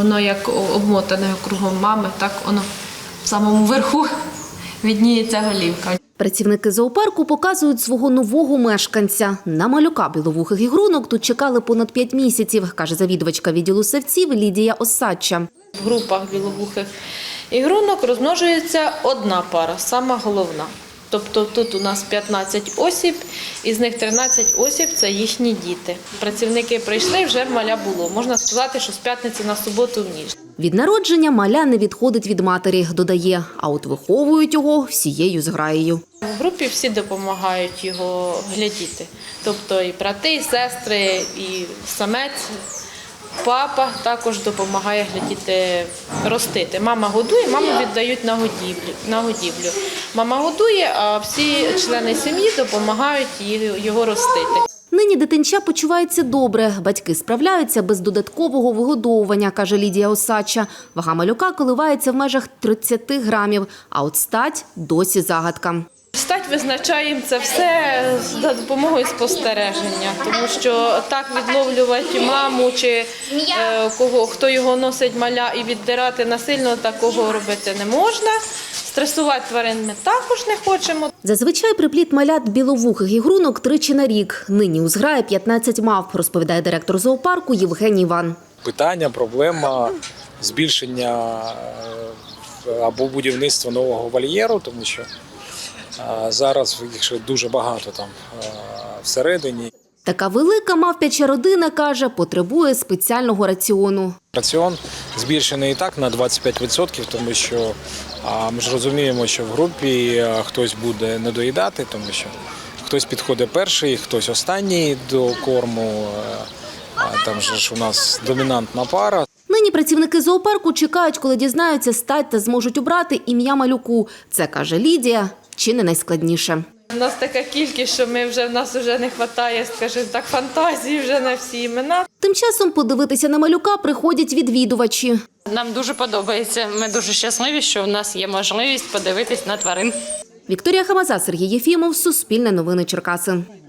воно як обмотане кругом мами, так воно в самому верху видніється голівка. Працівники зоопарку показують свого нового мешканця. На малюка біловухих ігрунок тут чекали понад 5 місяців, каже завідувачка відділу савців Лідія Осадча. В групах біловухих ігрунок розмножується одна пара, сама головна. Тобто тут у нас 15 осіб, із них 13 осіб – це їхні діти. Працівники прийшли, вже маля було. Можна сказати, що з п'ятниці на суботу в ніч. Від народження маля не відходить від матері, додає, а от виховують його всією зграєю. В групі всі допомагають його глядіти. Тобто і брати, і сестри, і самець, папа також допомагає глядіти, ростити. Мама годує, маму віддають на годівлю. Мама годує, а всі члени сім'ї допомагають його ростити. Нині дитинча почувається добре. Батьки справляються без додаткового вигодовування, каже Лідія Осадча. Вага малюка коливається в межах 30 грамів, а от стать досі загадка. Стать визначаємо це все за допомогою спостереження, тому що так відловлювати маму чи хто його носить маля і віддирати насильно, такого робити не можна. Стресувати тварин ми також не хочемо. Зазвичай припліт малят біловухих ігрунок тричі на рік. Нині у зграї 15 мавп, розповідає директор зоопарку Євгеній Іван. Питання, проблема збільшення або будівництва нового вольєру, тому що зараз їх ще дуже багато там всередині. Така велика мавпяча родина, каже, потребує спеціального раціону. Раціон збільшений і так на 25%, тому що ми ж розуміємо, що в групі хтось буде недоїдати, тому що хтось підходить перший, хтось останній до корму. Там же ж у нас домінантна пара. Нині працівники зоопарку чекають, коли дізнаються стать та зможуть обрати ім'я малюку. Це, каже Лідія, чи не найскладніше. У нас така кількість, що в нас вже не вистачає, скажімо так, фантазії вже на всі імена. Тим часом подивитися на малюка приходять відвідувачі. Нам дуже подобається. Ми дуже щасливі, що в нас є можливість подивитись на тварин. Вікторія Хамаза, Сергій Єфімов, Суспільне новини Черкаси.